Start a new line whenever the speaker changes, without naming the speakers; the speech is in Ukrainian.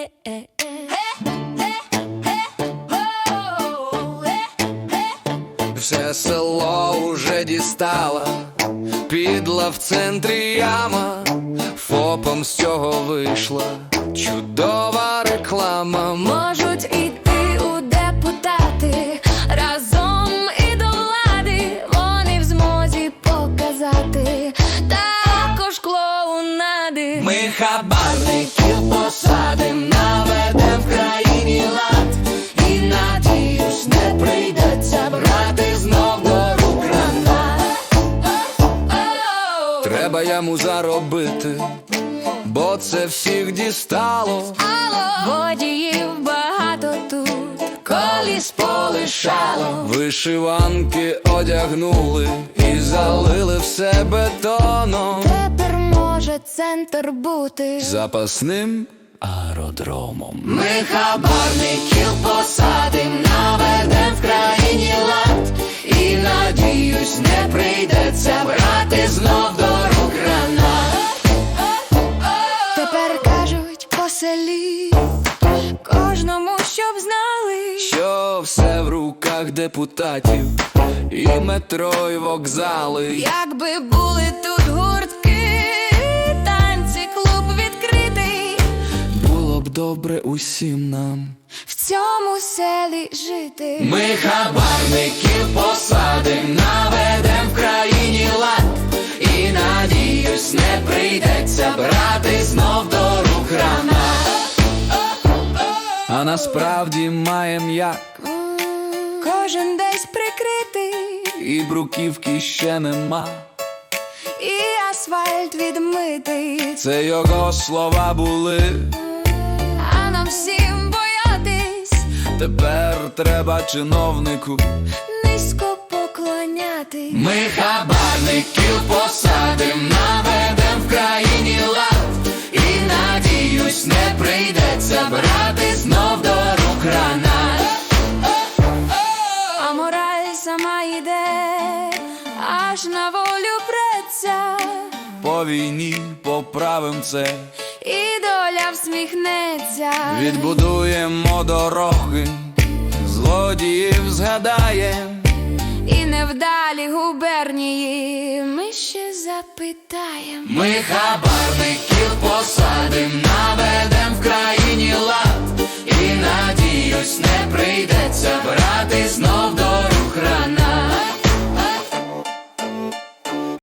Все село уже дістала, підла в центрі яма, ФОПом з цього вийшла чудова реклама.
Можуть іти у депутати, разом і до влади, вони в змозі показати також клоунади.
Ми хабарників посадим, наведем в країні лад, і надіюсь, не прийдеться брати знов до рук гранат. Треба йому заробити, бо це всіх дістало.
Водіїв багато тут, коліс полишало.
Вишиванки одягнули і залили все бетоном.
Тепер може центр бути
запасним аеродромом.
Ми хабарників посадим, наведем в країні лад, і надіюсь, не прийдеться брати знов до рук гранат. Тепер кажуть по селі, кожному, щоб знали,
що все в руках депутатів, і метро, і вокзали.
якби були тут гуртки, танці, клуб відкритий,
Було б добре усім нам
в цьому селі жити.
Ми хабарників посадим, наведем в країні лад, і надіюсь, не прийдеться брати знов до рук гранат. А насправді маєм як,
Кожен десь прикритий,
і бруківки ще нема.
і асфальт відмитий,
Це його слова були.
а нам всім боятись,
Тепер треба чиновнику
низько поклонятись.
Ми хабарників посадим, наведем в країні лад, і надіюсь, не прийдеться брати знов до рук гранат.
А мораль сама йде, аж на волю преться,
По війні поправим це,
і доля всміхнеться.
відбудуємо дороги, злодіїв згадаєм,
І невдалі губернії ми ще запитаєм.
Ми хабарників посадим, наведем в країні лад, і надіюсь, не прийдеться брати знов до рук гранат.